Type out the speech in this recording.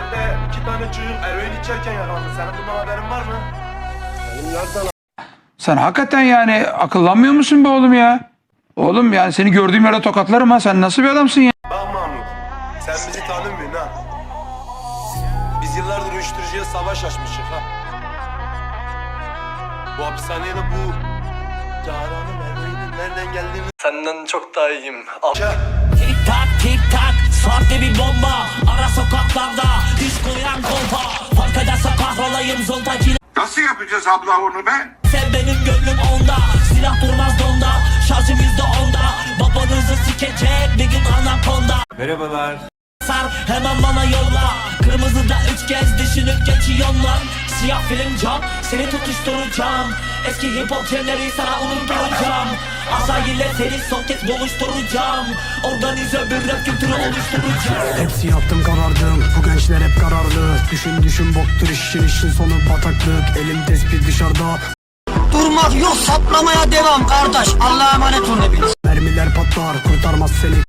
Mahallede 2 tane çocuk eroin içerken yakalandı. Senin bundan haberin var mı? Benim nereden? Sen hakikaten yani akıllanmıyor musun be oğlum ya? Oğlum yani seni gördüğüm yere tokatlarım ha. Sen nasıl bir adamsın ya? Bak Mahmut, sen bizi tanımıyorsun ha. Biz yıllardır uyuşturucuya savaş açmışız ha. Bu hapishaneye de bu Caran'ın eroinin nereden geldiğini senden çok daha iyiyim. Tik tak tik tak sahte bir bomba. Ara sokaklarda diş koyan kolpa. Fark ederse kahrolayım zontacıyla. Nasıl yapacağız abla onu be? Sen benim gönlüm onda. Silah durmaz donda. Şarjım %10'da. Babanızı sikecek bir gün anakonda. Merhabalar. Sar hemen bana yolla. Kırmızıda 3 kez düşünüp geçiyorum lan. Siyah film cam seni tutuşturacağım. Eski hip hop trendleri sana unutturacağım. Asayile seni son kez buluşturacağım. Organize bir rap kültürü oluşturacağım. Hepsi yaptım karardım. Bu gençler hep kararlı. Düşün boktur işin sonu bataklık. Elim tespih dışarıda. Durmak yok, saplamaya devam kardeş. Allah'a emanet olun hepiniz. Mermiler patlar kurtarmaz seni